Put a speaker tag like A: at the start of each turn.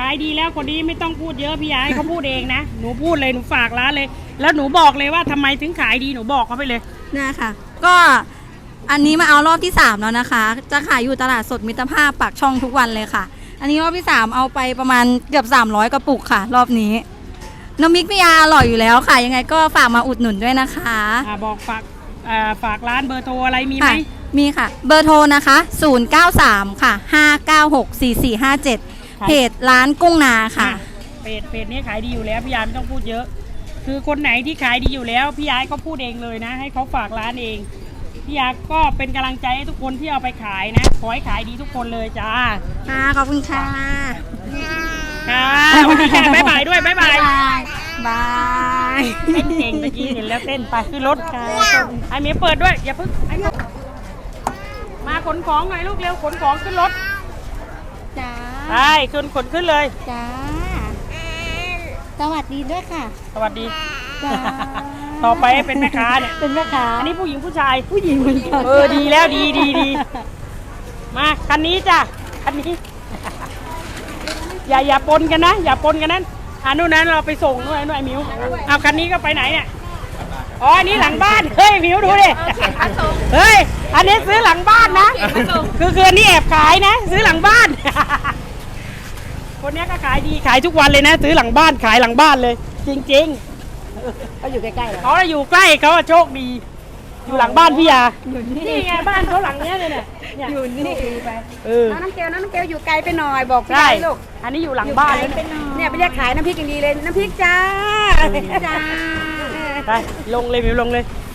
A: ายดีแล้วคนนี้ไม่ต้องพูดเยอะพี่ยาให้เขาพูดเองนะหนูพูดเลยหนูฝากร้านเลยแล้วหนูบอกเลยว่าทำไมถึงขายดีหนูบอกเขาไปเลย
B: นะคะก็อันนี้มาเอารอบที่3แล้วนะคะจะขายอยู่ตลาดสดมิตรภาพปากช่องทุกวันเลยค่ะอันนี้รอบที่3เอาไปประมาณเกือบ300กระปุกค่ะรอบนี้น้ำพริกพี่ยาอร่อยอยู่แล้วค่ะยังไงก็ฝากมาอุดหนุนด้วยนะคะ
A: บอกฝากร้านเบอร์โทรอะไรมีไหม
B: มีค่ะเบอร์โทรนะคะ093ค่ะ596 4457เพจร้านกุ้งนาค่ะ
A: เพจนี้ขายดีอยู่แล้วพี่ยาไม่ต้องพูดเยอะคือคนไหนที่ขายดีอยู่แล้วพี่ยาก็พูดเองเลยนะให้เขาฝากร้านเองพี่ยาก็เป็นกำลังใจให้ทุกคนที่เอาไปขายนะขอให้ขายดีทุกคนเลยจ้า
B: ค่ะขอบคุณค่ะ
A: ค่ะวันนี้ค่ะบ๊ายบายด้วยบ๊ายบาย
B: บาย
A: เต้นเก่งตะกี้เห็นแล้วเต้นไปขึ้นรถไอ้เมียเปิดด้วยอย่าเพิ่งมาขนของหน่อยลูกเร็วขนของขึ้นรถ
B: จ้า
A: ไปขึ้นเลย
B: จ้าสวัสดีด้วยค่ะ
A: สวัสดีต่อไปเป็นแม่ค้าเนี่ย
B: เป็นแม่ค้า
A: อันนี้ผู้หญิงผู้ชาย
B: เหมือนกัน
A: ดีแล้วดีมาคันนี้จ้ะคันนี้อย่าปนกันนะอย่าปนกันนั้นนู่นนั้นเราไปส่งนู่นไอ้มิวเอาคันนี้ก็ไปไหนเนี่ยอ๋ออันนี้หลังบ้านเฮ้ยมิวดูดิเฮ้ยอันนี้ซื้อหลังบ้านนะคืออันนี้แอบขายนะซื้อหลังบ้านคนนี้ก็ขายดีขายทุกวันเลยนะซื้อหลังบ้านขายหลังบ้านเลยจริง
B: เขาอยู่ใกล้ๆ
A: เขาอยู่ใกล้เขาโชคดีอยู่หลังบ้านพี่ยานี่ไงบ้านเขาหลังเนี้ยเลยเนี่ย
B: อยู่นี่ไป
C: น้ำเกลอยู่ไกลไปหน่อยบอกพี่ลูก
A: อันนี้อยู่หลังบ้าน
C: เนี่ยไปเรียกขายน้ำพริกอย่างดีเลยน้ำพริกจ้า
A: ไปลงเลยมิวลงเลย